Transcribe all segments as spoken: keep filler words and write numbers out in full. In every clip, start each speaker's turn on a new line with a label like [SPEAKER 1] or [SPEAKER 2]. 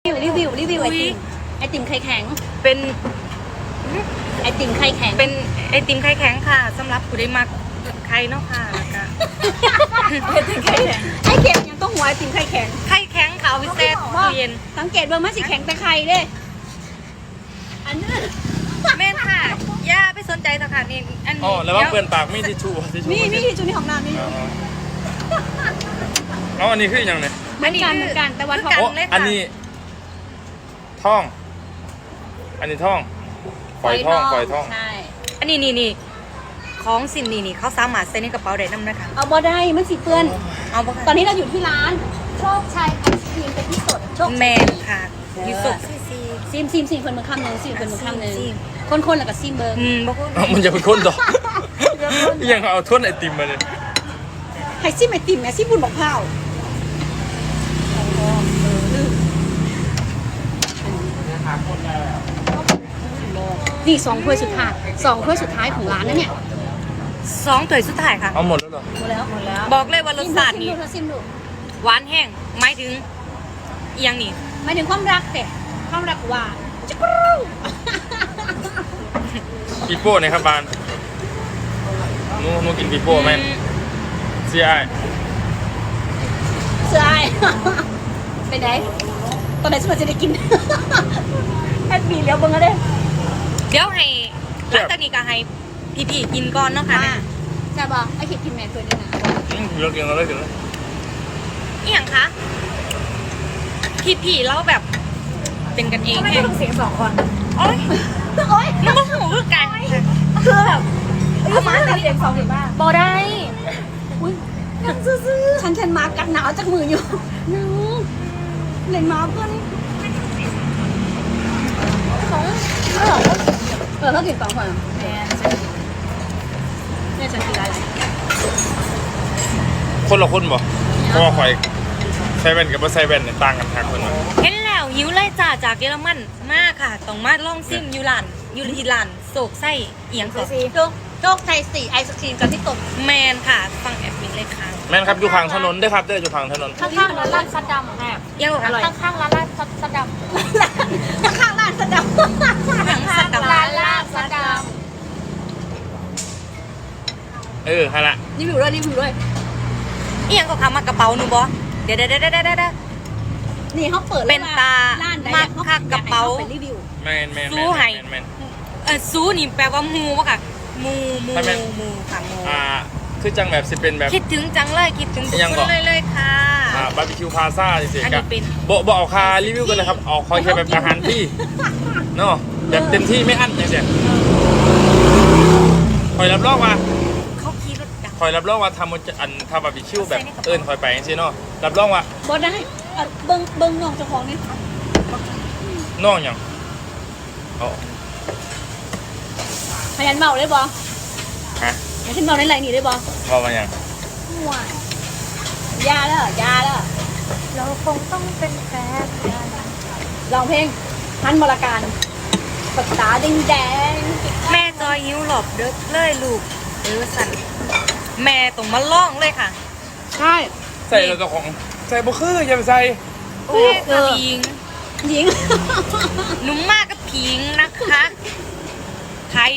[SPEAKER 1] วิวรีวิวรีวิวไอติมไอติมไข่แข็ง
[SPEAKER 2] เป็น
[SPEAKER 1] ไอติมไข่แข็ง
[SPEAKER 2] เป็นไอติมไข่แข็งค่ะสำหรับผู้ได้มักไข่เนาะค่ะแล้วก็
[SPEAKER 1] ไอติมไข่แข็งไอเข็มยังต้องหัวไอติมไข่แข็ง
[SPEAKER 2] ไข่แข็งค่ะเอาไปแช่ตู้เย็น
[SPEAKER 1] สังเกตว่ามันสิแข็งแต่ไข่เด้อันนี้
[SPEAKER 2] แม่นค่ะย่าไปสนใจสักค่ะนี่อันนี้
[SPEAKER 3] อ๋อแล้วว่าเปื่อนปากมีทิชชู่ทิชชู่
[SPEAKER 1] มีมีทิชชู่ในห้องน้ำนี่
[SPEAKER 3] อ๋ออันนี้คืออย่างไร
[SPEAKER 1] เหมือนกันเหมือนกันแต่ว่า
[SPEAKER 3] ท้องอันนี้ท่องอันนี้ท่องฝอยท่องฝอยท่อง
[SPEAKER 1] ใช่
[SPEAKER 2] อันนี้นี่นี่ของสินนี่นี่เขาสามารถใส่ในกระเป๋าได้นำนะคะ
[SPEAKER 1] เอาบ่ได้มันสิเปื้อน
[SPEAKER 2] เอาบ่
[SPEAKER 1] ตอนนี้เราอยู่ที่ร้านโชคชัยไอศครีมเป็นที่สดโชค
[SPEAKER 2] แมนค่ะยูสุ
[SPEAKER 1] ซีมซีมซีมคนมือข้ามหนึ่งซีมคนมือข้ามหนึ่งคนคนแล้วก็ซีมเบอร์
[SPEAKER 2] อืมบ่คน
[SPEAKER 3] มันจะเป็นคนต่อยังเอาท้นไอติมมาเลย
[SPEAKER 1] ให้ซีมไอติมแม่ซีมบุญบอกข้าวนี่สองถ้วยสุดท้ายสองถ้วยสุดท้ายของร้านนะเนี่ย
[SPEAKER 2] สองถ้วยสุดท้ายค่ะ
[SPEAKER 3] เอาหมดแล้วเหรอ
[SPEAKER 1] หมดแล้วหมดแล้ว
[SPEAKER 2] บอกเลยว่ารสชาตินี่หวานแห้งหมายถึงอีหยังนี่
[SPEAKER 1] หมายถึงความรักแต่ความรักหวานจิ๊กรู
[SPEAKER 3] ปีโป้เนี่ยครับบานนูนูกินปีโป้ไหมเสียไอ
[SPEAKER 1] เสียไอไปไหนตอนไหนฉันจะได้กินแอดบีเลี้ยวเบิ้งก็ได้
[SPEAKER 2] เดี๋ยวให้หลังจากนี้ก็ให้พี่ๆกินก่อนเนาะค่ะ
[SPEAKER 1] ใช่ป่ะไอคิดกินแม่ตัวนี้นะ
[SPEAKER 3] เรากินเราได้กินแล้ว
[SPEAKER 2] อีหยังคะพี่ๆเราแบบเป็นกันเอง
[SPEAKER 1] ไม่ต้องเสียงสองคน
[SPEAKER 2] โอ๊ย
[SPEAKER 1] โอ๊ย
[SPEAKER 2] มันก็หูคือกัน
[SPEAKER 1] คือแบบเอามาเสียงสองเห็นป่ะ
[SPEAKER 2] บ่ได้
[SPEAKER 1] อุ้ยยังซื่อๆฉันฉันมากัดหนาวจากมืออยู่นึงเล่นมาเพื่อนสองเออเออเขากินสองคนแม่เนี่ยฉันกินอะไร
[SPEAKER 3] คนละคนบ่เพราะว่าข่อยใส่แว่นกับไม่ใส่แว่นเนี่ยต่างกันทักคนละ
[SPEAKER 2] เห็นแล้วหิวเลยจ้าจากเยอรมันมากค่ะต้องมาลองซิมยูรันยูริลันโศกไส้เอียงก่อน
[SPEAKER 1] โจ๊กโจ๊กไทยสี่ไอศครีมกับที่ตก
[SPEAKER 2] แมนค่ะฟังแอบมินเลยค่ะ
[SPEAKER 3] แมนครับอยู่ข้างถนนด้วยครับเด้ออยู่ข้างถนน
[SPEAKER 4] ข้างๆร้านร้านซัดดำแอบ
[SPEAKER 2] ยังอร่อย
[SPEAKER 4] ข้างๆร้านร้านซัดด
[SPEAKER 1] ำข้างๆร้านซัดดำ
[SPEAKER 2] ข้างซัดดำ
[SPEAKER 4] ร้านร้านซัดด
[SPEAKER 3] ำเออฮะละ
[SPEAKER 1] นี่ผิวด้วยนี่ผิวด้วย
[SPEAKER 2] เอียงก็ทำมากระเป๋าหนูบอเดี๋ยวเดี๋ยวเดี๋ยวเดี๋ยวเดี๋ยว
[SPEAKER 1] นี่เขาเปิด
[SPEAKER 2] เป็นตามาคักกระเป๋า
[SPEAKER 3] แมนแมน
[SPEAKER 2] ซูไฮเออซูนี่แปลว่ามูวะค่ะมูมูมูค่ะมู
[SPEAKER 3] อ่าคือจังแบบสิเป็นแบบ
[SPEAKER 2] คิดถึงจังเลยคิดถึงทุกคนเลยเลยค่ะ
[SPEAKER 3] อ่าบาร์บีคิวพาซ่าจริงๆกับบอกบอกเอาคารีวิวกันเลยครับเอาคอยแค่แบบอาหารที่เนาะแบบเต็มที่ไม่อั้นอย่างเดียวคอยรับรองว่า
[SPEAKER 2] เขาขี่รถดัง
[SPEAKER 3] คอยรับรองว่าทำอันทำบาร์บีคิวแบบเอิญคอยไปจริงๆเนาะรับรองว่า
[SPEAKER 1] บอได้เบิ้งเบิ้งน้องเจ้าของนี่
[SPEAKER 3] น้องอย่างอ๋อ
[SPEAKER 1] พยันเมาได้บอ
[SPEAKER 3] ฮะ
[SPEAKER 1] พยันเมาในไรนี่ได้บอ
[SPEAKER 3] เมามาอย่าง
[SPEAKER 1] ห่วยยาแล้วยาแล้ว
[SPEAKER 4] เราคงต้องเป็นแฟน
[SPEAKER 1] ลองเพลงทันบรการปากตาแดงแดง
[SPEAKER 2] แม่จอยยิ้วหลบเด้อเลยลูกเออสั่นแม่ตรงมาล่องเลยค่ะ
[SPEAKER 1] ใช่
[SPEAKER 3] ใส่เราจะของใส่บุคืออย่าไปใส่
[SPEAKER 2] โอ้กับหญิง
[SPEAKER 1] หญิง
[SPEAKER 2] นุ่มมากกับผิงนะคะไทย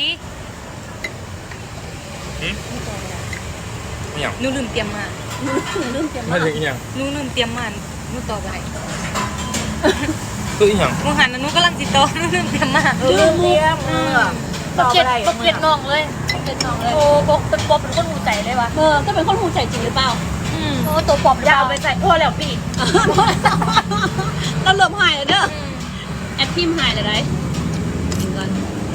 [SPEAKER 3] อย่าง
[SPEAKER 2] นูลืมเตรียมมา
[SPEAKER 1] นูลืมเตรียม
[SPEAKER 3] มาถึงอย่าง
[SPEAKER 2] นูลืมเตรียมมานูต่อไป
[SPEAKER 3] คืออย่าง
[SPEAKER 2] นูหันนูกำลังจิตโตนูลืมเตรียมมา
[SPEAKER 1] ลืมเตรียม
[SPEAKER 4] ปกเก็ตปกเก็ตน้องเลย
[SPEAKER 1] ปกเก็ตน้องเลย
[SPEAKER 4] โอ้ปกเป็นปอบเป็นคนหูใจเลยวะ
[SPEAKER 1] เออก็เป็นคนหูใจจริงหรือเปล่า
[SPEAKER 4] โอ้ตัวปอบยาวไปใส่พ่อแล้วพี่
[SPEAKER 1] เราเริ่มหายแล้วเด้อแอดพิมหายเลยได้กินก่อน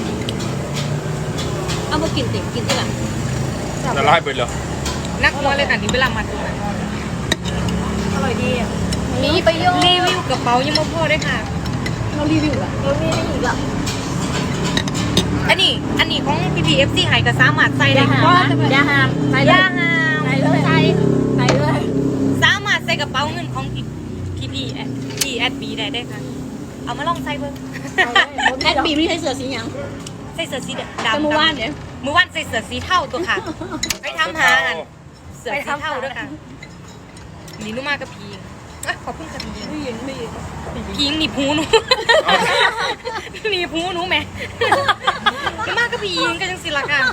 [SPEAKER 1] เอามากินติ่มกินที่หลัง
[SPEAKER 3] จะไล่ไปเลย
[SPEAKER 2] นักมวยเลยค่ะนี่เวลามาดู
[SPEAKER 4] อร่อยดีมีประโยชน์
[SPEAKER 2] รีวิวกระเป๋ายังไม่พอด้วยค่ะ
[SPEAKER 1] เรารีวิวอะ
[SPEAKER 4] เรามีได้อีกอ่ะ
[SPEAKER 2] อันนี้อันนี้ของพีพีเอฟซีหายกับสามารถใส่ได้ค่ะ
[SPEAKER 4] ยาหาม
[SPEAKER 2] ใส่ยาหาม
[SPEAKER 4] ใส่เลยใส่ใส่เลย
[SPEAKER 2] สามารถใส่กระเป๋าเงินของพีพีพีแอดพีแอดบีได้ได้ค่ะเอามาลองใส่เบิ้ง
[SPEAKER 1] แอดบีไม่ใช่เสือสีหยัง
[SPEAKER 2] ใส่เสื้อสีดำ
[SPEAKER 1] เมื่อวานเนี่ย
[SPEAKER 2] เมื่อวานใส่เสื้อสีเทาตัวค่ะไปทำหาเสื้อสีเทาด้วยค่ะนี่นุ่มมากกับพีอ่ะขอบคุณค่ะพี่ยิง
[SPEAKER 1] ไม่ยินไม่ยิน
[SPEAKER 2] พี่ยิงหนีบหูหนูหนีบหูหนูแหม่ก็มากก็พี่ยิงก็จังสิล่ะค่ะ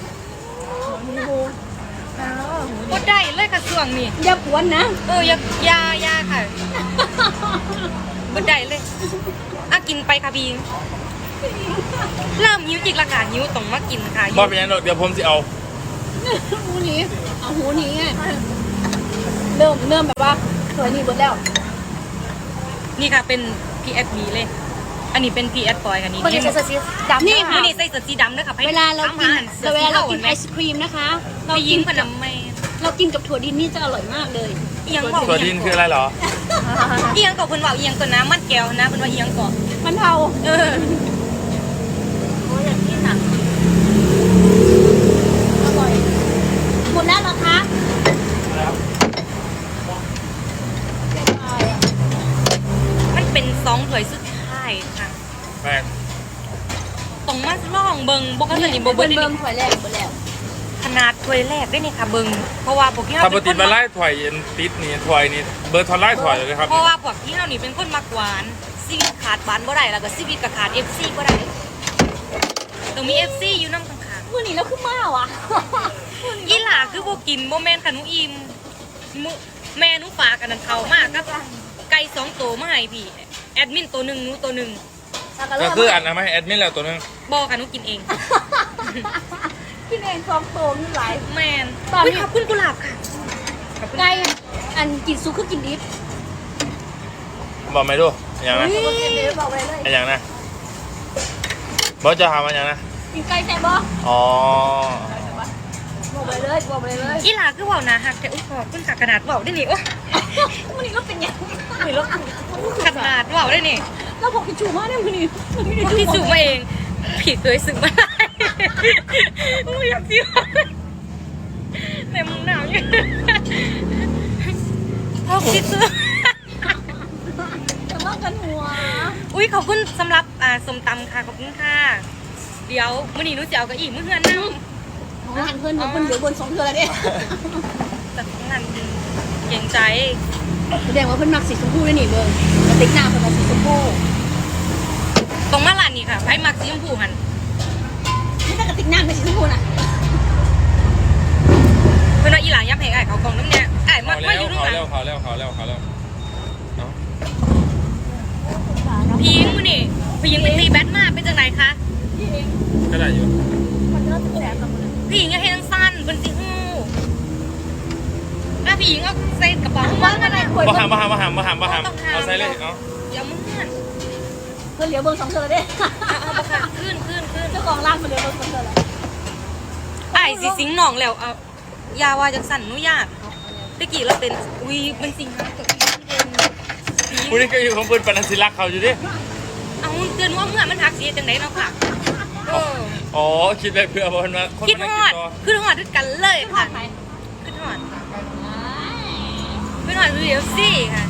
[SPEAKER 2] ก็ได้เลยค่ะส่วงนี่
[SPEAKER 1] อย่าปวนนะ
[SPEAKER 2] เอออยาอยาอยาค่ะก็ได้เลยอ่ะกินไปค่ะพี่ยิงเริ่มหิวจิกละค่ะหิวต้องมากินค่ะ
[SPEAKER 3] บ่เป็นหยังดอกเดี๋ยวผมสิเอา
[SPEAKER 1] หูหนี้เอาหูหนี้ไงเริ่มเริ่มแบบว่าเคยนี่หมดแล้ว
[SPEAKER 2] นี่ค่ะเป็น พี เอส บี เลย อันนี้เป็น พี เอส ปอยค่ะนี่
[SPEAKER 4] คนนี้จะสีดำ
[SPEAKER 1] นี่ค่ะ
[SPEAKER 2] นี่ใส่เสื้อสีดำด้วยค่ะ
[SPEAKER 1] เวลาเรากิน
[SPEAKER 2] เสื้
[SPEAKER 1] แต่
[SPEAKER 2] อ
[SPEAKER 1] เว
[SPEAKER 2] สี
[SPEAKER 1] ลาเรา
[SPEAKER 2] เทา
[SPEAKER 1] กิ
[SPEAKER 2] เห็
[SPEAKER 1] น
[SPEAKER 2] นไหม
[SPEAKER 1] ไอศครีมนะคะ เรา
[SPEAKER 2] เรา
[SPEAKER 1] กิ
[SPEAKER 2] ยิ
[SPEAKER 1] น
[SPEAKER 2] งพ
[SPEAKER 1] กับ
[SPEAKER 2] นันไม่
[SPEAKER 1] เรากินกับถั่วดินนี่จะอร่อยมากเลย
[SPEAKER 2] เอียงบอก
[SPEAKER 3] ตัวดินคืออะไรเหรอ
[SPEAKER 2] เอียงกับเพิ่นว่าเอียงตัวน้ำมันแก้วนะเพิ่นว่าเอียงก่อน
[SPEAKER 1] มันเทา
[SPEAKER 2] เออ
[SPEAKER 4] โอ้ยอย่างที่หนัก
[SPEAKER 1] อร่อยหมดแล้วเหรอคะ
[SPEAKER 2] มันเป็นสองถ้วยสุดท้ายค่ะ
[SPEAKER 3] แม่ง
[SPEAKER 2] ตรงมาล่องเบิงบ่ก็จะนี่บ่
[SPEAKER 1] เบิ้
[SPEAKER 2] เบิ่
[SPEAKER 1] ล
[SPEAKER 2] ง
[SPEAKER 1] เบิ้ลถั่วแรกหมดแล้ว
[SPEAKER 2] ขนาดถ้วยแรกได้นี่ค่ะเบิงเพราะว่าพวกที่เฮา
[SPEAKER 3] ถ้าป
[SPEAKER 2] เป็
[SPEAKER 3] ก
[SPEAKER 2] น
[SPEAKER 3] ติ
[SPEAKER 2] คน
[SPEAKER 3] มา
[SPEAKER 2] มั
[SPEAKER 3] ไล่
[SPEAKER 2] ก
[SPEAKER 3] ถอยอันติดนี่ถอยนี่เบอร์ทอนไล่ถอยเลยครับ
[SPEAKER 2] เพราะว่าพวกที่เฮานี่เป็นคนมักหวานชีวิตขาดหวานบ่ได้แล้วก็ชีวิตก็ขาด เอฟ ซี บ่ได้ต้องมี เอฟ ซี อยู่นำข้างๆ
[SPEAKER 1] มื่อนี้เราขึ้นมาว่ะ
[SPEAKER 2] อีหลาคือบ่กินบ่แม่นค่ะหนูอิ่มมุแม่หนูฝากอันนั้นเขามากกับไก่สองตัวมาให้พี่แอดมินตัวหนึงหนูตัวหนึง
[SPEAKER 3] ก็คืออันนั้นไหมแอดมินแล้วตัวนึง
[SPEAKER 2] บ่ค่ะหนูกินเอง
[SPEAKER 1] กินเองซองโตนี่หลาย
[SPEAKER 2] แม่น
[SPEAKER 1] ตอนนี้
[SPEAKER 2] อุ๊ยขอบคุณกุหลาบค่ะขอบคุณ
[SPEAKER 1] ไก่อันกินซุปคือกินดิบ
[SPEAKER 3] บอกไม่ดูอย่างนะ
[SPEAKER 1] นี่บอกไปเลย
[SPEAKER 3] อย่างนะบอกจะทำอะไรอย่างนะ
[SPEAKER 1] กินไก่แซ่บบ่
[SPEAKER 3] อ๋อ
[SPEAKER 1] บอกไปเลยบอกไปเลย
[SPEAKER 2] อีหลาคือเว้าหนาฮักแต่อุ๊ยขอบคุณค่ะขนาดเว้าได้นี่โอ้
[SPEAKER 1] มื่อนี้เราเป็นยัง
[SPEAKER 2] ยแล้วขนาดเว้าได้นี่
[SPEAKER 1] เราบอกกินชูมากเนี่ยมื่อนี้มื่อนี้
[SPEAKER 2] ที่ซื้อมาเองผิดเคยซื้อมาได้มึงอยากซื้อแต่มึงหนาวอยู่พอคิดซื้อ
[SPEAKER 1] ทะเลาะกันหัว
[SPEAKER 2] อุ้ยขอบคุณสำหรับอ่าส้มตำค่ะขอบคุณค่ะ เดี๋ยวมื้อนี้หนูจะเอากระอี่มื้อเฮือนนั่ง
[SPEAKER 1] ของงานเพื่อนเพื่อนเหลือบนสองเทือแล้วเนี่ย
[SPEAKER 2] จากของงานเก่งใจ
[SPEAKER 1] แสดงว่าเพื่อนมักสีชมพูด้วยนี่เบิ้งกระติกน้ำเป็นสีชมพู
[SPEAKER 2] ตรงมาลานนี่ค่ะไพ่มักสีชมพูหัน
[SPEAKER 1] ไม่ใช่กระติกน้ำเป็นสีชมพูน่ะ
[SPEAKER 2] เพื่อนว่าอีหลายับให้ไอ้เขากล่องน้ำเนี่ยไอ้มา
[SPEAKER 3] เขา
[SPEAKER 2] มา
[SPEAKER 3] แล้
[SPEAKER 2] อ
[SPEAKER 3] ว
[SPEAKER 2] ยู่ตรง
[SPEAKER 3] เขา
[SPEAKER 2] หลัง
[SPEAKER 3] แล้วเขาแล้วเขาแล้วเขาแล้วเนาะ
[SPEAKER 2] พี่ยิงมื้อนี่พี่ยิงไปตีแบดมาเป็นจังไหนคะ
[SPEAKER 3] ก็ได้อยู่
[SPEAKER 2] พี่ยิงอย่าให้ทั้งสั้นเป็นสิฮู้ถ้าพี่ยิงเอาใส่กระเป๋ามาก็ได้
[SPEAKER 3] มาหามมาหามมาหามมาหามมาหามเอาใส่เลยเนาะ
[SPEAKER 2] เดี๋ยวมึงเงื่อน
[SPEAKER 1] เพื่อนเหลือเบิ้งสองเทือแล้วเนี่ย
[SPEAKER 2] เอาเอาปะค่ะขึ้นขึ้นขึ้น
[SPEAKER 1] เจ้าของร้านเพื่อนเหลือเบิ้งสองเทือแล้ว
[SPEAKER 2] ไอ้สิสิงหนองแล้วเอายาว่าจังสั่นหนุญาตตะกี้เราเป็นอุ้ยเป็นสิงหาตัวอีกเป็น
[SPEAKER 3] ผู้นี้ก็อยู่ของเพื่อนปนันศิลักษ์เขาอยู่ดิ
[SPEAKER 2] เอาเตือนว่าเมื่อมันหักเสียจังไหนเนาะค่ะเออ
[SPEAKER 3] อ๋อคิดไปเพื่อบอกมาคน
[SPEAKER 2] คิด
[SPEAKER 3] มา
[SPEAKER 2] ฮ
[SPEAKER 3] นั่ง
[SPEAKER 2] อด
[SPEAKER 3] กินต่อ
[SPEAKER 2] ขึ้นฮอดด้วยกันเลย
[SPEAKER 1] ทอ
[SPEAKER 2] ค่ะ
[SPEAKER 1] ดไหม
[SPEAKER 2] ขึ้นฮอดขึ้นฮอดเรียวซี่ค่ะ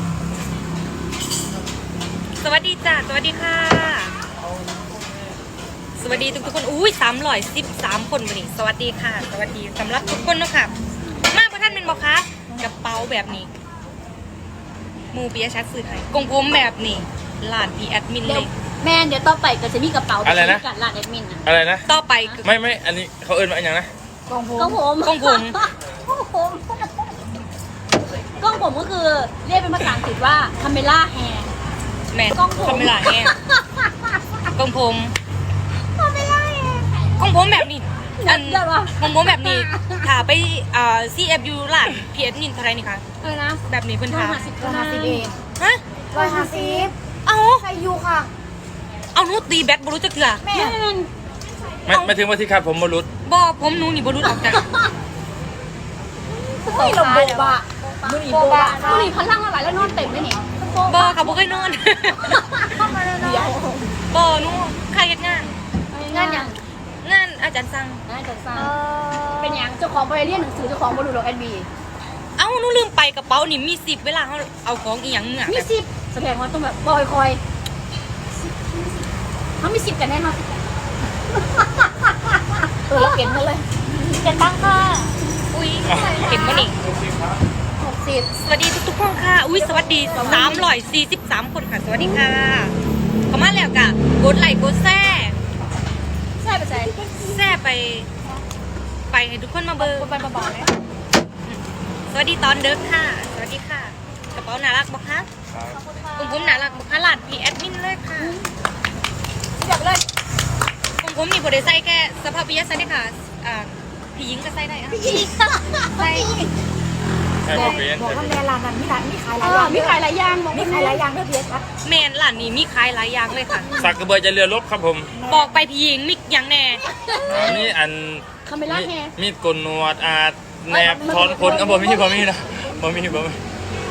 [SPEAKER 2] สวัสดีจ้าสวัสดีค่ะ สวัสดีทุกทุกๆคนอุ้ยสามร้อยสิบสามคนวันนี้สวัสดีค่ะ สวัสดีสำหรับทุกคนเนาะค่ะมาประท่านเป็นบอกคะกระเป๋าแบบนี้หมูปิยชัดสื่อไทยกงผมแบบนี้ลานพีแอดมิน
[SPEAKER 1] เดี๋
[SPEAKER 2] เลย
[SPEAKER 1] วย แม่เดี๋ยวต่อไปก็จะมีกระเป๋า
[SPEAKER 3] อะไรนะ
[SPEAKER 1] กัดร้านแอดมินนะ
[SPEAKER 3] อะไรนะ
[SPEAKER 2] ต่อไปคือ
[SPEAKER 3] ไม่ไม่อันนี้เขาเอิ้นมาอย่างนะ
[SPEAKER 1] กล้องผมกล้องผม
[SPEAKER 2] กล้องผม
[SPEAKER 1] กล้องผมกล้องผมก็คือเรียกเป็นภาษาอังกฤษว่าคาเมล่าแฮร์
[SPEAKER 2] แม่
[SPEAKER 1] กล้องผม
[SPEAKER 2] ทำเวลาแง่กงผม
[SPEAKER 1] คาเมล่าแฮร์
[SPEAKER 2] กงผมแบบนี้อัน
[SPEAKER 1] เดี๋ยววะ
[SPEAKER 2] กงผมแบบนี้ถ้าไปอ่า ซี เอฟ ยู ร้านพีแอดมินเท่าไหรนี่คะ
[SPEAKER 1] เออนะ
[SPEAKER 2] แบบนี้เพิ่น
[SPEAKER 1] ร้อย
[SPEAKER 2] ถาม
[SPEAKER 1] ห้าสิบ
[SPEAKER 4] ร้อยห้าสิบเอง
[SPEAKER 2] ฮะ
[SPEAKER 4] ร้อยห้าสิบ
[SPEAKER 2] เอา
[SPEAKER 4] ใส่ยูค่ะ
[SPEAKER 2] เอาหนูตีแบตบรู้จักเถื่อ
[SPEAKER 4] แม่
[SPEAKER 1] แม่น
[SPEAKER 3] ไม่ไม่ถึงว่าที่ขาดผมมารุด
[SPEAKER 2] บ่ผมหนูนี่บ่รู้ออกจาก
[SPEAKER 1] เฮ้ยเราโบบะ
[SPEAKER 4] มือหนีโบบะ
[SPEAKER 1] มือหนีพลังละหลายแล้วนอนเต็มเลยนี่
[SPEAKER 2] บ่ค่ะบ่เคยนอน
[SPEAKER 1] เดี๋ยว
[SPEAKER 2] บ่หนูใครเฮ็ดงาน
[SPEAKER 1] งานยัง
[SPEAKER 2] งานอาจารย์สั่ง
[SPEAKER 1] งานจัดสร้างเป็นยังเจ้าของไปเรียนหนังสือเจ้าของบรูดอกแอดบี
[SPEAKER 2] เอ้าหนูลืมไปกระเป๋านี่มีสิบเวลาเฮาเอาของอีหยังเนี่ย
[SPEAKER 1] มีสิบแสดงว่าต้องแบบบอยคอยเขามีสิบกันแน่นอนเออเราเปลี่ยนกันเลย
[SPEAKER 4] เจ็ดตังค่ะ
[SPEAKER 2] อุ้ยเห็นบ่นี่
[SPEAKER 1] หกสิสิบ
[SPEAKER 2] สวัสดีทุกๆคนค่ะ อุ้ยสวัสดีสามร้อยสี่สิบสามคนค่ะ สวัสดีค่ะเข้ามาแล้วกะกดไลค์กดแชร์
[SPEAKER 1] ใช่ปะใช่
[SPEAKER 2] แชร์ไป ไปให้ทุกคนมาเบอร์
[SPEAKER 1] ไปมาบอกเลย
[SPEAKER 2] สวัสดีตอนเดิกค่ะ สวัสดีค่ะ กระเป๋าน่ารักบอกคะผมผมน่ารักบอกคะหลานพีแอดมินเลยค่ะ
[SPEAKER 1] อยากเลย
[SPEAKER 2] ผมผมมีบริษัทแค่สภาพวิทยาศาสตร์ค่ะอ่าพี่หญิงก็ใส่ได้อะ
[SPEAKER 1] อีก
[SPEAKER 2] ใส่
[SPEAKER 3] ใช่บ่เป็น
[SPEAKER 4] บอก
[SPEAKER 3] ใช่
[SPEAKER 4] ว่า
[SPEAKER 3] บ่
[SPEAKER 4] แม่ร้านนั้นมีร้านมีขายห
[SPEAKER 1] เอ
[SPEAKER 4] ลายอ
[SPEAKER 1] อย่าง มีขายหลายอย่างบอก
[SPEAKER 4] มีขายหลายอย่างด้วยเบียร์ครับ
[SPEAKER 2] แมนหลานนี่มีขายหลายอย่างเลยค่ะ
[SPEAKER 3] สักกระเบือจะเรือลบครับผม
[SPEAKER 2] บอกไปพี่หญิงมิกอย่างแน่
[SPEAKER 3] อ่ามีอัน
[SPEAKER 1] คาเมล่าแฮ
[SPEAKER 3] มีดกลนวดอาแนบถอนขนอ่ะบ่มีบ่มีนะบ่มีบ่มี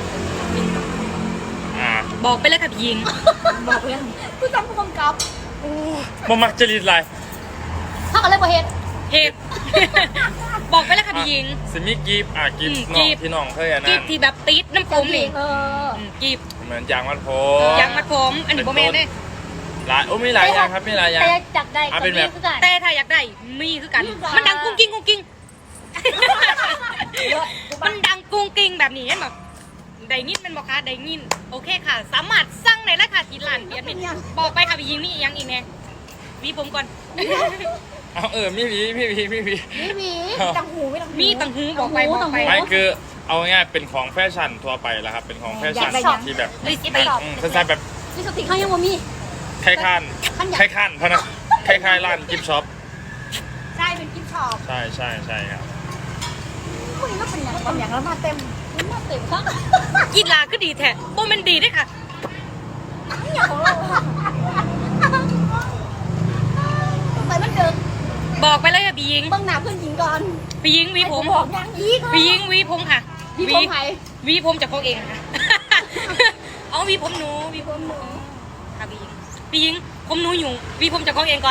[SPEAKER 3] อ่า
[SPEAKER 2] บอกไปเลยค่ะพี่หญิง
[SPEAKER 1] บอกเลยกูจำผู้กำกับ
[SPEAKER 3] บ่มักจริตหลาย
[SPEAKER 1] ถ้ากันเลยประเฮ็ด
[SPEAKER 2] เหตุ บอกไปเลยค่ะพี่หญิง
[SPEAKER 3] สิมีกีบอ่ะกีบ
[SPEAKER 2] อืม
[SPEAKER 3] น้
[SPEAKER 2] กี
[SPEAKER 3] อง
[SPEAKER 2] บ
[SPEAKER 3] พี่น้องเคยอัน
[SPEAKER 2] กี
[SPEAKER 3] นั้
[SPEAKER 2] บ
[SPEAKER 3] น
[SPEAKER 2] ที่แบบติดน้ำผมนี่
[SPEAKER 1] เออ
[SPEAKER 2] อืมกีบ
[SPEAKER 3] เหมือนยางมัดผม
[SPEAKER 2] ยางมัดผมอันนี้โบแมนเด้
[SPEAKER 3] หลายโอ้มีหลายอย่างครับมีหลายอย่าง
[SPEAKER 1] แต่จักได้
[SPEAKER 3] อ่ะเป็นแบบ
[SPEAKER 1] คือกัน
[SPEAKER 2] แต่ถ้าอยากได้มีคือกัน มันดังกุ้งกิ้งกุ้งกิ้ง มันดังกุ้งกิ้งแบบนี้เห็นแบบได้ยินเป็นบอกค่ะได้ยินโอเคค่ะ สามารถสั่งในราคาที่ร้านเปียดมินบอกไปค่ะพี่หญิงนี่ยังอีกแน่วีผมก่อน
[SPEAKER 3] เอาเออมีหวีมีหวีมีหวี
[SPEAKER 1] นี่มี
[SPEAKER 4] ตังหูไม่ตังหู
[SPEAKER 2] มีตังหูบอกไปบอกไป
[SPEAKER 3] ไม่คือเอาง่ายๆเป็นของแฟชั่นทั่วไปแล้วครับเป็นของแฟชั่นที่แบบ
[SPEAKER 2] ลิสติก
[SPEAKER 3] อืมคล้ายๆแบบ
[SPEAKER 1] นี่สติเขายังบ่มี
[SPEAKER 3] คล้ายๆคล้ายๆคล้ายๆพนักคล้ายๆร้านกิฟช็อป
[SPEAKER 1] ใช่เป็นกิฟต์ช็อป
[SPEAKER 3] ใช่ใช่ใช่ครับ
[SPEAKER 1] พวกนี้ก็เป็นอย่าง
[SPEAKER 4] บางอย่างแล้วมาเต็ม
[SPEAKER 1] นี้มาเต็มครับ
[SPEAKER 2] กีฬาก็ดีแท้โบแมันดีด้วยค่ะ
[SPEAKER 1] ไปมันเดิม
[SPEAKER 2] บอกไปเลยค่ะพี่หญิง
[SPEAKER 1] เบื้องหน้าเพื่อนหญิงก่อน
[SPEAKER 2] พี่หญิงวีผม
[SPEAKER 1] บอกยังอีก
[SPEAKER 2] พี่หญิงวีผมค่ะ
[SPEAKER 1] พี่ผมไผ่
[SPEAKER 2] วีผมจากเขาเองค่ะ เอาวีผมหนูวีผมหนูค่ะพี่หญิงพี่หญิงผมหนูอยู่วีผมจากเขาเองก่อน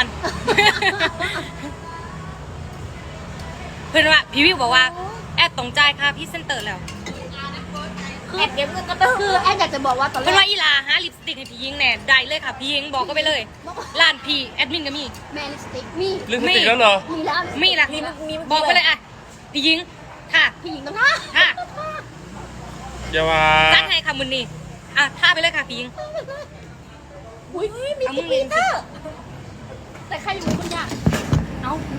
[SPEAKER 2] เพื่อนว่าพี่วิวบอกว่าแอดตรงใจค่ะพี่เซนเตอร์แล้ว
[SPEAKER 1] คือแอดเก็บเงินก็ต้องคือแอดอยากจะบอกว่าตอนแร
[SPEAKER 2] เพื่อน
[SPEAKER 1] ก
[SPEAKER 2] ว่าอีลาหาลิปสติกให้พี่หญิงแน่ได้เลยค่ะพี่หญิงบอกก็ไปเลยร้านพี่แอดมินก็มี
[SPEAKER 1] แมนลิปสติกมี
[SPEAKER 3] ลิปสติกแล้วเหรอ
[SPEAKER 1] มีแล้ว
[SPEAKER 2] มีละบอกไปเลยอ่ะพี่หญิงค่ะ
[SPEAKER 1] พี่หญิงต้องท่า
[SPEAKER 2] ค่ะ
[SPEAKER 3] อย่าว่า
[SPEAKER 2] จ้างให้ค่ะมุนนี่อ่ะท่าไปเลยค่ะพี่หญิง
[SPEAKER 1] อุ้ยมี
[SPEAKER 2] เอามึ
[SPEAKER 1] กิ๊
[SPEAKER 2] ง
[SPEAKER 1] ก
[SPEAKER 2] เรี
[SPEAKER 1] ลี
[SPEAKER 2] ยนสิ
[SPEAKER 1] เตอร์แต่ใครอยู่คนยากเอามี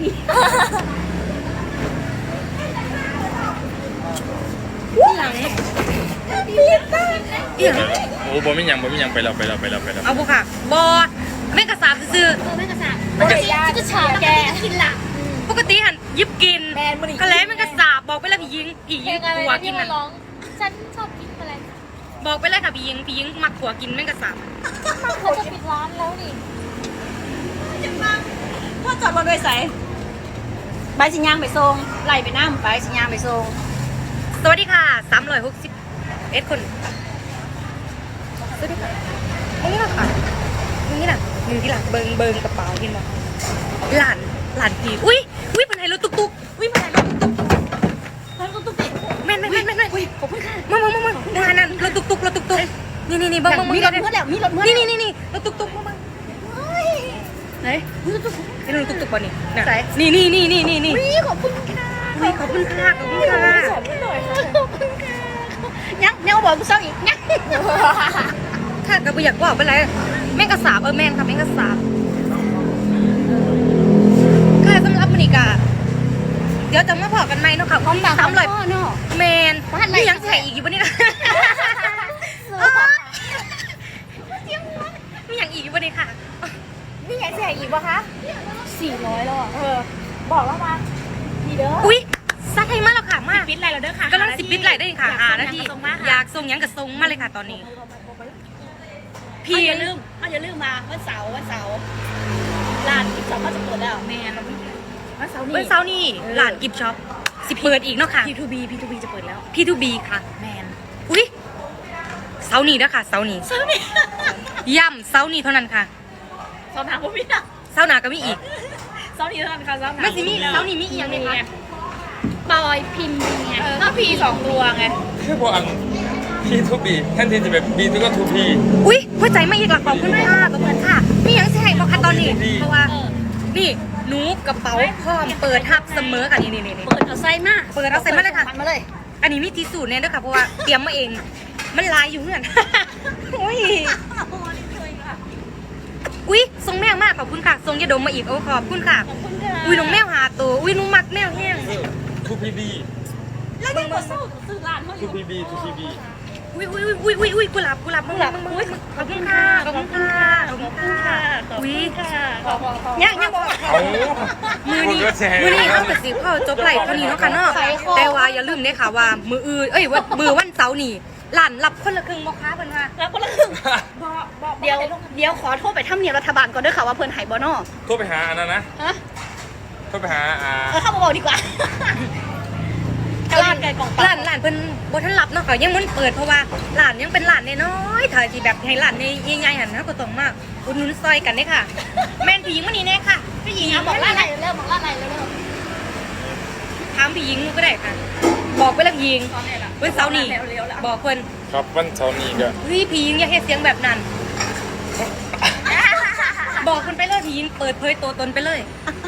[SPEAKER 2] หลัง
[SPEAKER 1] ลีเตอร์
[SPEAKER 2] เอี่ยง
[SPEAKER 3] โอ้บ่มีหยังบ่มีหยังไปแล้วไปแล้วไปแล้วไปแล้ว
[SPEAKER 2] เอาบุค่ะบอแม่กระสาบซื้อ
[SPEAKER 1] เออแม่กระสับปกติจะฉาบแกกินละ
[SPEAKER 2] ปกติหันยิบกิน
[SPEAKER 4] แมนมันอีก
[SPEAKER 2] กะแล้วแม่กระสาบบอกไปเลยพี่หญิงพี่หญิงขัวกินน่ะ
[SPEAKER 1] ฉันชอบกินอะไร
[SPEAKER 2] บอกไปเลยค่ะพี่หญิงพี่หญิงมักขัวกินแม่กระสาบ
[SPEAKER 1] เขาจะปิดร้านแล้วนี่จะฟังพ่อจอดรถไว้ใส่ใบสิญางไปส่งไล่ไปน้ำใบสิญางไปส่ง
[SPEAKER 2] สวัสดีค่ะสามร้อยหกสิบเอ็ดคนสวัสดีค่ะนี่แหละค่ะนี่แหละมือที่หลังเบิงเบิงกระเป๋าเห็นไหมหลานหลานพี่อุ้ยอุ้ยเป็นไงรถตุ๊กตุ๊กอุ้ยเป็นไงรถตุ๊กตุ๊ก
[SPEAKER 1] เฮ้ยตุ๊กตุ๊กติด
[SPEAKER 2] แม่นแม่นแม่นแม่นแม่น
[SPEAKER 1] อุ้ยขอบคุณค่ะ
[SPEAKER 2] มามามามามานั่นรถตุ๊กตุ๊กรถตุ๊กตุ๊กนี่นี่นี่เบิ้งเบิ้ง
[SPEAKER 1] มี
[SPEAKER 2] เบิ้ง
[SPEAKER 1] รถเมื่อแล้วมีรถเมื่อ
[SPEAKER 2] นี่นี่นี่นี่รถตุ๊กตุ๊กมามา
[SPEAKER 1] ไหนมีรถตุ๊ก
[SPEAKER 2] นี่รถตุ๊กตุ๊กป่ะนี่น่ะนี่นี่นี่นี่นี่นี่
[SPEAKER 1] อุ้ยขอบคุณค่ะ
[SPEAKER 2] อุ้ยขอบคุณค่ะขอบคุณค่ะ
[SPEAKER 1] สอนหน่อยค่ะขอบคุณค่ะยังยังบอกกูซ้ำอีกยัง
[SPEAKER 2] ค่ะก็ไม่อยากบอกไปเลยแม่งกระสาบเออแม่งค่ะแม่งกระสาบค่ะสำหรับมันอีกอะเดี๋ยวจะมาบอกกันไหมเนาะค่ะความสามร้อย
[SPEAKER 1] เนาะ
[SPEAKER 2] แมนนี่ยังใส่อีกอยู่ปะเนี่ยมีอย่างอีกอยู่ปะเนี่ยค่ะ
[SPEAKER 4] นี่ไงเสียอีกปะคะ
[SPEAKER 1] สี่ร้อยแล้วอ่ะ
[SPEAKER 4] เออ บอกแล้วมาดีเด้อ
[SPEAKER 2] อุ้ยซักให้มากแล้วค่ะมาก
[SPEAKER 4] ปิดอะไรเราเด้อค่ะ
[SPEAKER 2] กำลังสิบปิดไหลได้ค่ะหานาทีอยากส่งยังกับส่งมาเลยค่ะตอนนี้
[SPEAKER 1] พี่
[SPEAKER 2] พี่
[SPEAKER 1] อย่าลืมอย่าลืมมาวันเสาร์วันเสาร์ร้านที่สองเขาจะเปิดแล้วแม่เรา
[SPEAKER 4] วันเสาร์นี้
[SPEAKER 2] เมื่อเช้านี่หลานกิฟช็อปสิเปิดอีกเนาะค่ะ
[SPEAKER 4] พี ทู บี พี ทู บี จะเปิดแล้ว
[SPEAKER 2] พี ทู บี ค่ะ
[SPEAKER 4] แมน
[SPEAKER 2] อุ้ยเสาร์นี้นะค่ะเสาร์นี้
[SPEAKER 1] เสาร์นี้
[SPEAKER 2] ย่ำเสาร์นี้เท่านั้นค่ะ
[SPEAKER 1] เสาร์หน้าผมมีอ่ะ
[SPEAKER 2] เสาร์หน้าก็มีอีก
[SPEAKER 1] เสาร์นี้เท่านั้นค่ะเสาร์หน้า
[SPEAKER 2] ไม่สิมีเสาร์นี้มีอีกอย่างหนึงค่ะ
[SPEAKER 1] บอยพิมพ์ไง
[SPEAKER 4] ถ้าพีสองตัวไง
[SPEAKER 3] คือบ่อันพีทูบีแทนที่จะแบบบีทูก็ทูพี
[SPEAKER 2] อุ้ยหัวใจไม่อีกหลักขอบคุณค่ะขอบคุณค่ะมีหยังสิให้บอกค่ะตอนนี้
[SPEAKER 3] ดี
[SPEAKER 2] เพราะว่า นี่หนูกระเป๋าพร้อมเปิดทับเสมอค่ะนี่นี่นี่นี่
[SPEAKER 1] เปิดเอาไส้มา
[SPEAKER 2] เปิดเอาไส้มาเลยค่ะ
[SPEAKER 1] มาเลย
[SPEAKER 2] อัอันนี้มีที่สูตรเนี่ยด้วยค่ะเพราะว่าเตรียมมาเอง มันลายอยู่เหมือน อุ้ยอุ้ยทรงแมวมากขอบคุณค่ะทรงยาดมมาอีกโอ้ขอบคุณค่ะ
[SPEAKER 1] ขอบคุณค่ะ
[SPEAKER 2] อุ้ยน้องแมวหาตัวอุ้ยน้องมักแมวแห้ง
[SPEAKER 3] ทูพีบี
[SPEAKER 1] แล้วยังบ่สู้ซื้อร้านเขาอ
[SPEAKER 3] ทู
[SPEAKER 1] ยู่
[SPEAKER 3] พีบีทูพีบี
[SPEAKER 2] อุ้ยอุ้ยอุ้ยอุ้ยอุ้ยกุหลาบกุหลาบกุหลาบอุ้ยขอบคุณค่ะขอบคุณค่ะขอบคุณค่ะอุ้ย
[SPEAKER 1] ขอบคุณค่ะ
[SPEAKER 2] ยังยังบอก
[SPEAKER 3] เอา
[SPEAKER 2] มือนี้
[SPEAKER 3] คนก็แชร์
[SPEAKER 2] มือนี้เข้ากระสิบเข้าจบไหลเท่านี้เนาะค่ะเนาะแต่ว่าอย่าลืมเนี่ยค่ะว่ามืออื่นเอ้ยว่ามือวันเสาร์นี่หลานรับคนละครึ่งบ่ค้าเพิ่นว่า
[SPEAKER 1] แล้วคนละครึ่งเดี๋ยวเดี๋ยวขอโทษไปทำเนียบรัฐบาลก่อนด้วยค่ะว่าเพิ่นหายบ่นอ
[SPEAKER 3] โทรไปหาอันนั้นนะ
[SPEAKER 1] ฮะ
[SPEAKER 3] โทรไปหาอ่า
[SPEAKER 1] เออเข้ามาบอกดีกว่าร้านไก่กล่อง
[SPEAKER 2] หลานหลานเพิ่นบ่ทันรับเนาะค่ะยังมันเปิดเพราะว่าหลานยังเป็นหลานน้อยๆถ้าสิแบบให้หลานใหญ่ๆหั่นนะก็ต้องมาอุดหนุนซอยกันเด้ค่ะ แม่นพี่หญิงมานี่แน่ค่ะพี่หญิง
[SPEAKER 1] อ่ะบอกร้านไหนเร็วบอกร้านไหนเร็ว
[SPEAKER 2] ถามพี่หญิงก็ได้ค่ะ บอกไปแล้วพี่หญิง
[SPEAKER 1] ๆตอนนี้ล่ะ
[SPEAKER 2] วันเสาร์นี้บอกเพิ่น
[SPEAKER 3] ครับวันเสาร์นี้ก็
[SPEAKER 2] เฮ้ยพี่หญิงอย่าเฮ็ดเสียงแบบนั้น บอกคนไปเลยพี่หญิงเปิดเผยตัวตนไปเลย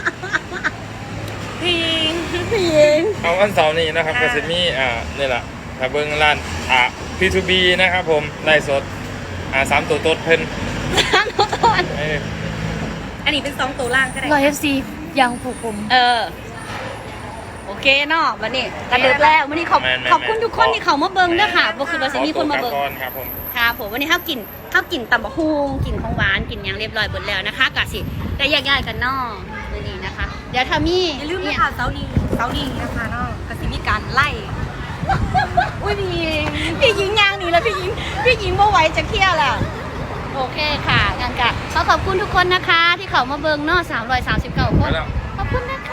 [SPEAKER 2] พี่หญิง
[SPEAKER 1] พี่หญิง
[SPEAKER 3] เอาวันเสาร์นี้นะครับ
[SPEAKER 2] ค่ะ
[SPEAKER 3] ก็จะมีอ่านี่แหละถ้าเบิ้งร้านอ่า พี ทู บี นะครับผมไล่สดอ่าสามตัวตดเพิ่น
[SPEAKER 1] ร้านเขาตอน
[SPEAKER 3] เอ้ย
[SPEAKER 2] อันนี้เป็นสองตัวล่างก็ได้
[SPEAKER 4] รอยเอฟซียังผูกผม
[SPEAKER 1] เออโอเคเนาะวันนี้กระดึกแล้ววันนี้ขอบขอบคุณทุกคนที่เขามาเบิ่งด้วยค่ะบ่คือว่าสิมีคนมาเบิ่ง
[SPEAKER 3] ขอตัวกลับก่อนครับผม
[SPEAKER 1] ครับผมวันนี้ข้าวกินข้าวกินตำบะฮุงกินของหวานกินอย่างเรียบร้อยหมดแล้วนะคะกะสิได้แยกย้ายกันเนอกวันนี้นะคะ เดี๋ยวถ้ามี
[SPEAKER 2] อย่าลืมนะคะเสาร์นี้เสาร์นี้นะคะเนาะก็สิมีการไล่
[SPEAKER 1] อุ้ยพี่หญิงพี่หญิงยางหนีแล้วพี่หญิงพี่หญิงบ่ไหวจะเคลียร์แล้วโอเคค่ะงั้นกะขอขอบคุณทุกคนนะคะ ที่เขามาเบิ่งเนอกสามร้อยสามสิบเก้าค
[SPEAKER 3] ไป
[SPEAKER 1] น
[SPEAKER 3] แล้ว
[SPEAKER 1] ขอบคุณนะคะ